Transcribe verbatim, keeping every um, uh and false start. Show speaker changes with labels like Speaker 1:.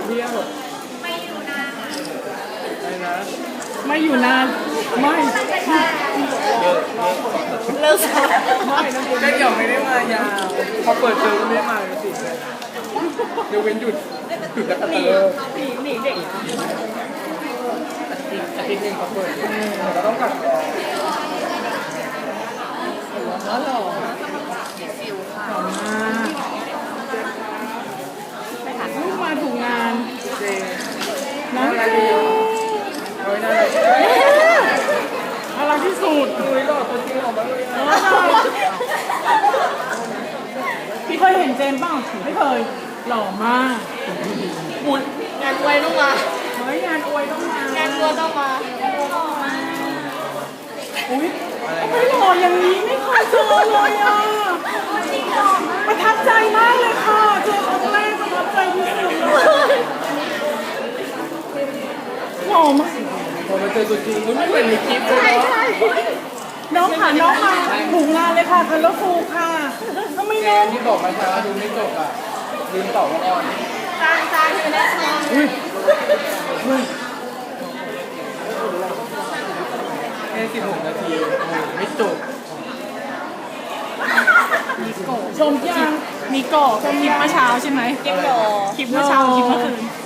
Speaker 1: เที่ยวไม่อยู่นานไม่นะ
Speaker 2: ไม่อยู่นานไม่
Speaker 1: เลิก
Speaker 2: ไม่นะคุณได้เกี่ยวไม่ได้มายาวพอเปิดเทอมก็ไม่ได้มาเลยสิเดี๋ยวเว้นหยุดหยุดแล้วก็เตอร์
Speaker 1: หนีหนีเด็ก
Speaker 2: อาทิตย์หนึ่งเขาเปิดเราต้องกลับแล้วหรอหล่อมากลูกมาถูกงานเจน่ารักดีโอ้ยน่ารักน่ารักที่สุดดูหล่อตัวจริงออกมาเลยพี่เคยเห็นเจมส์ป่ะไม่เคยหล่อมาก
Speaker 1: บุญงานอวยต้องมา
Speaker 2: เฮ้ยงานอวยต้องมาง
Speaker 1: านอวยต้องมา
Speaker 2: อุ้ยไม่หล่ออย่างนี้ไม่เคยเจอเลยอ่ะประทับใจมากเลยค่ะเจอครั้งแรกประทับใจที่สุดเลยหล่อมากพอมาเจอตัวจริงมันไม่เหมือนในคลิปเลยน้องค่ะน้องมาถูกงานเลยค่ะคันรถฟูค่ะทำไมน้องที่บอกมาช้าดูไม่จบอ่ะลืมตอบว่าอ่อน
Speaker 1: จางจางอยู่ในซอง
Speaker 2: อุ้ยอุ้ยแค่สิบหกนาทีไม่จบมีโกชมยังมีโกชมคลิปเมื่อเช้าใช่ไหม
Speaker 1: เก็บดอ
Speaker 2: คลิปเมื่อเช้าคลิปเมื่อคืน